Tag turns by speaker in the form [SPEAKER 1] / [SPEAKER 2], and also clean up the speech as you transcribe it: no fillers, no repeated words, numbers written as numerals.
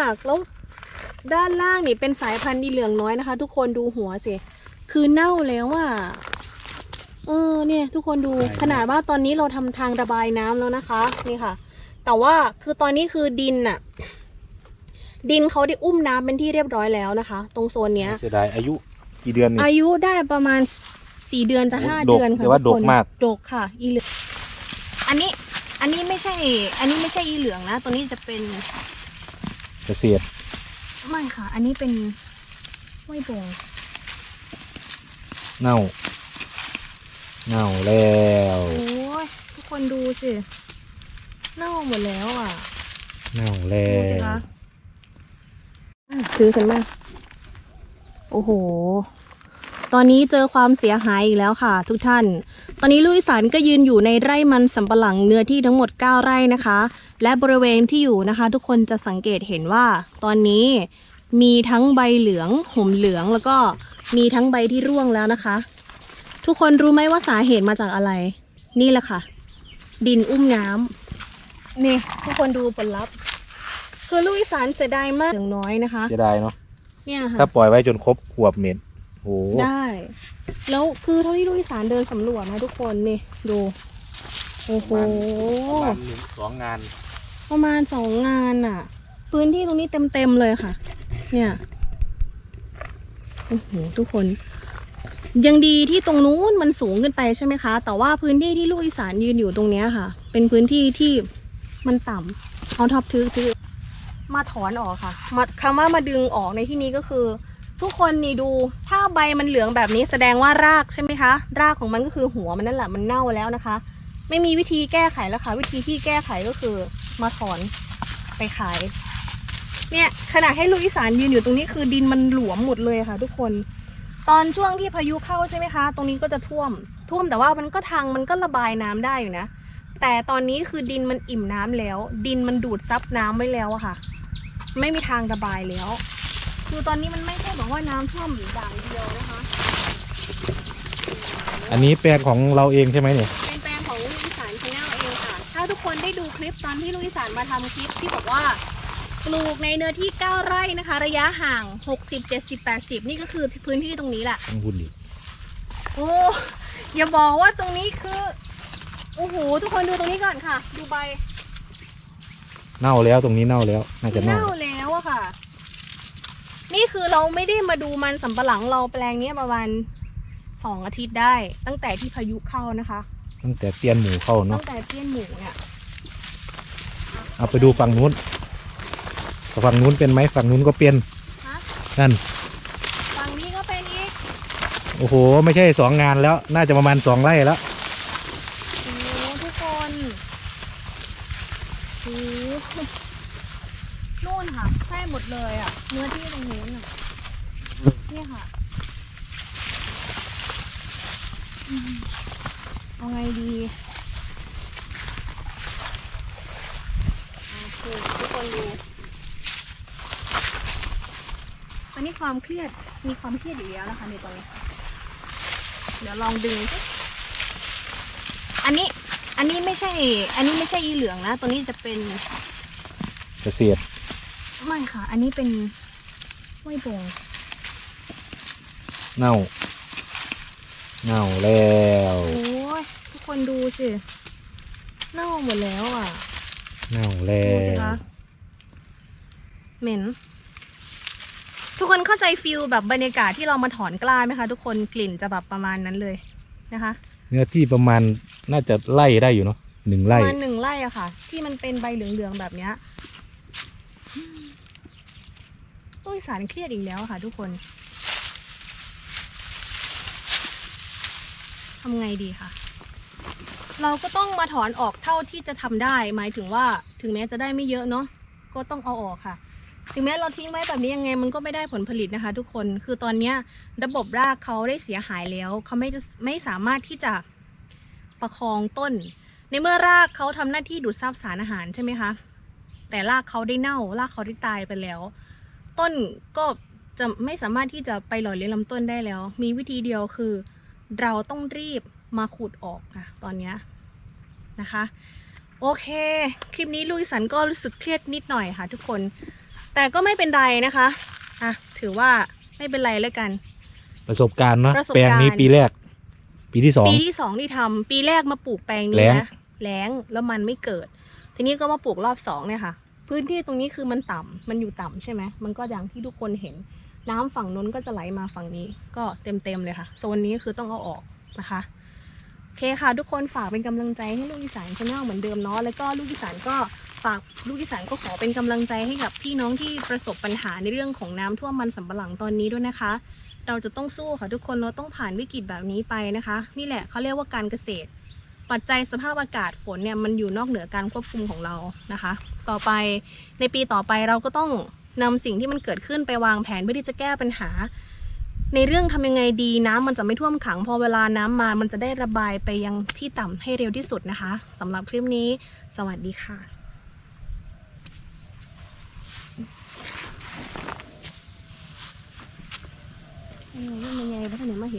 [SPEAKER 1] ากแล้วด้านล่างนี่เป็นสายพันธุ์อีเหลืองน้อยนะคะ ทุกคนดูหัวสิคือเน่าแล้วอ่ะเนี่ยทุกคนดูขนาดว่าตอนนี้เราทำทางระบายน้ำแล้วนะคะนี่ค่ะแต่ว่าคือตอนนี้คือดินเขาได้อุ้มน้ำเป็นที่เรียบร้อยแล้วนะคะ ตรงโซนเนี้ย
[SPEAKER 2] เสียดายอายุกี่เดือนนี่
[SPEAKER 1] อายุได้ประมาณ4 เดือนจะ5 เดือนค่ะ
[SPEAKER 2] แต่ว่าดกมาก
[SPEAKER 1] ดกค่ะอีเหลืองอันนี้ไม่ใช่อีเหลืองนะตัวนี้จะเป็น
[SPEAKER 2] เกษตร
[SPEAKER 1] ไม่ค่ะอันนี้เป็นห้วยบง
[SPEAKER 2] เน่าแล้ว
[SPEAKER 1] โอ้ยทุกคนดูสิเน่าหมดแล้วอ่ะ
[SPEAKER 2] เน่าแล้
[SPEAKER 1] ดูสิ
[SPEAKER 2] ว
[SPEAKER 1] คะคือกันมากโอ้โหตอนนี้เจอความเสียหายอีกแล้วค่ะทุกท่านตอนนี้ลุยสานก็ยืนอยู่ในไร่มันสำปะหลังเนื้อที่ทั้งหมด9 ไร่นะคะและบริเวณที่อยู่นะคะทุกคนจะสังเกตเห็นว่าตอนนี้มีทั้งใบเหลืองห่มเหลืองแล้วก็มีทั้งใบที่ร่วงแล้วนะคะทุกคนรู้ไหมว่าสาเหตุมาจากอะไรนี่แหละค่ะดินอุ้มน้ำนี่ทุกคนดูผลลัพธ์คือลุยสานเสียดายมากอย่างน้อยนะคะ
[SPEAKER 2] เสียดายเนาะ
[SPEAKER 1] เนี่ยค่ะ
[SPEAKER 2] ถ้าปล่อยไว้จนครบขวบเม็ดโอ้
[SPEAKER 1] ได้แล้วคือเท่าที่ลุยสานเดินสำรวจนะทุกคนนี่ดูโอ้โห
[SPEAKER 2] ประมาณ2 งาน
[SPEAKER 1] ประมาณ2 งานอ่ะพื้นที่ตรงนี้เต็มเลยค่ะเนี่ยโอ้โหทุกคนยังดีที่ตรงนู้นมันสูงขึ้นไปใช่ไหมคะแต่ว่าพื้นที่ที่ลูกอีสานยืนอยู่ตรงเนี้ยค่ะเป็นพื้นที่ที่มันต่ำเอาท็อปทึกมาถอนออกค่ะคำว่ามาดึงออกในที่นี้ก็คือทุกคนนี่ดูถ้าใบมันเหลืองแบบนี้แสดงว่ารากใช่ไหมคะรากของมันก็คือหัวมันนั่นแหละมันเน่าแล้วนะคะไม่มีวิธีแก้ไขแล้วค่ะวิธีที่แก้ไขก็คือมาถอนไปขายเนี่ยขณะให้ลูกอีสานยืนอยู่ตรงนี้คือดินมันหลวมหมดเลยค่ะทุกคนตอนช่วงที่พายุเข้าใช่ไหมคะตรงนี้ก็จะท่วมแต่ว่ามันก็ระบายน้ำได้อยู่นะแต่ตอนนี้คือดินมันอิ่มน้ำแล้วดินมันดูดซับน้ำไว้แล้วอะค่ะไม่มีทางระบายแล้วคือตอนนี้มันไม่ใช่บอกว่าน้ำท่วมอย่างเดียวนะคะ
[SPEAKER 2] อันนี้แปลงของเราเองใช่ไหมเนี่ย
[SPEAKER 1] เป็นแปลงของลูกอีสานชาแนลเองค่ะถ้าทุกคนได้ดูคลิปตอนที่ลูกอีสานมาทำคลิปที่บอกว่าปลูกในเนื้อที่9 ไร่นะคะระยะห่าง60 70 80นี่ก็คือพื้นที่ตรงนี้แหละ
[SPEAKER 2] ต้องพูดดิ
[SPEAKER 1] โอ้อย่าบอกว่าตรงนี้คือโอ้โหทุกคนดูตรงนี้ก่อนค่ะดูใบ
[SPEAKER 2] เน่าแล้วตรงนี้เน่าแล้วน่าจะเน่า
[SPEAKER 1] แล้วอะค่ะนี่คือเราไม่ได้มาดูมันสำปะหลังเราแปลงนี้ประมาณ2 อาทิตย์ได้ตั้งแต่ที่พายุเข้านะคะ
[SPEAKER 2] ตั้งแต่เตี้ยนหมูเข้าเนาะ
[SPEAKER 1] ตั้งแต่เตี้ยนหมูเนี่ย
[SPEAKER 2] เอาไปดูฝั่งนู้นเป็นไหมฝั่งนู้นก็เป็นนั่น
[SPEAKER 1] ฝั่งนี้ก็เป็นอีก
[SPEAKER 2] โอ้โหไม่ใช่2 งานแล้วน่าจะประมาณ2 ไร่แล้ว
[SPEAKER 1] โอ้ทุกคนโอ้นู่นค่ะใช่หมดเลยอ่ะเนื้อที่ตรงนู้นอ่ะเนี่ยค่ะเอาไงดีโอเคทุกคนดูตอนนี้ความเครียดมีความเครียดอยู่แล้วนะคะในตอนนี้เดี๋ยวลองดึงอันนี้ไม่ใช่อีเหลืองนะตัวนี้จะเป็น
[SPEAKER 2] เกษตร
[SPEAKER 1] ไม่ค่ะอันนี้เป็นห้วยบง
[SPEAKER 2] เน่าแล้ว
[SPEAKER 1] โอ้ยทุกคนดูสิเน่าหมดแล้วอ่ะ
[SPEAKER 2] เน่าแล้
[SPEAKER 1] ดูสิคะเหม็นทุกคนเข้าใจฟิลแบบบรรยากาศที่เรามาถอนกล้าไหมคะทุกคนกลิ่นจะแบบประมาณนั้นเลยนะคะ
[SPEAKER 2] เนื้อที่ประมาณน่าจะไล่ได้อยู่เนาะ1 ไร่
[SPEAKER 1] ประมาณ1 ไร่อะค่ะที่มันเป็นใบเหลืองๆแบบเนี้ยตู้สารเครียดอีกแล้วค่ะทุกคนทำไงดีคะเราก็ต้องมาถอนออกเท่าที่จะทำได้หมายถึงว่าถึงแม้จะได้ไม่เยอะเนาะก็ต้องเอาออกค่ะถึงแม้เราทิ้งไว้แบบนี้ยังไงมันก็ไม่ได้ผลผลิตนะคะทุกคนคือตอนนี้ระบบรากเขาได้เสียหายแล้วเขาไม่สามารถที่จะประคองต้นในเมื่อรากเขาทำหน้าที่ดูดซับสารอาหารใช่ไหมคะแต่รากเขาได้เน่ารากเขาได้ตายไปแล้วต้นก็จะไม่สามารถที่จะไปหล่อเลี้ยงลำต้นได้แล้วมีวิธีเดียวคือเราต้องรีบมาขุดออกค่ะตอนนี้นะคะโอเคคลิปนี้ลุยสันก็รู้สึกเครียดนิดหน่อยค่ะทุกคนแต่ก็ไม่เป็นไรนะคะอ่ะถือว่าไม่เป็นไรแล้วกัน
[SPEAKER 2] ประสบการณ์เนาะ
[SPEAKER 1] ประสบ
[SPEAKER 2] แปลงนี้
[SPEAKER 1] การณ์
[SPEAKER 2] ปีแรก ปีที่สอง
[SPEAKER 1] ปีที่ 2ที่ทำปีแรกมาปลูกแปลงนี้
[SPEAKER 2] แล้ง
[SPEAKER 1] นะแล้งแล้วมันไม่เกิด ทีนี้ก็มาปลูกรอบ2เนี่ยค่ะ พื้นที่ตรงนี้คือมันต่ำมันอยู่ต่ำใช่ไหมมันก็อย่างที่ทุกคนเห็น น้ำฝั่งนู้นก็จะไหลมาฝั่งนี้ก็เต็มเลยค่ะโซนนี้คือต้องเอาออกนะคะโอเคค่ะ ทุกคนฝากเป็นกำลังใจให้ลูกอีสานชาแนลเหมือนเดิมเนาะแล้วก็ลูกอีสานก็ฝากลูกอีสานก็ขอเป็นกำลังใจให้กับพี่น้องที่ประสบปัญหาในเรื่องของน้ำท่วมมันสำปะหลังตอนนี้ด้วยนะคะ เราจะต้องสู้ค่ะทุกคนเราต้องผ่านวิกฤตแบบนี้ไปนะคะ นี่แหละเขาเรียกว่าการเกษตร ปัจจัยสภาพอากาศฝนเนี่ยมันอยู่นอกเหนือการควบคุมของเรานะคะ ต่อไปในปีต่อไปเราก็ต้องนำสิ่งที่มันเกิดขึ้นไปวางแผนเพื่อที่จะแก้ปัญหา ในเรื่องทำยังไงดีน้ำมันจะไม่ท่วมขังพอเวลาน้ำมามันจะได้ระบายไปยังที่ต่ำให้เร็วที่สุดนะคะสำหรับคลิปนี้สวัสดีค่ะยังไงพัฒนามาเห็น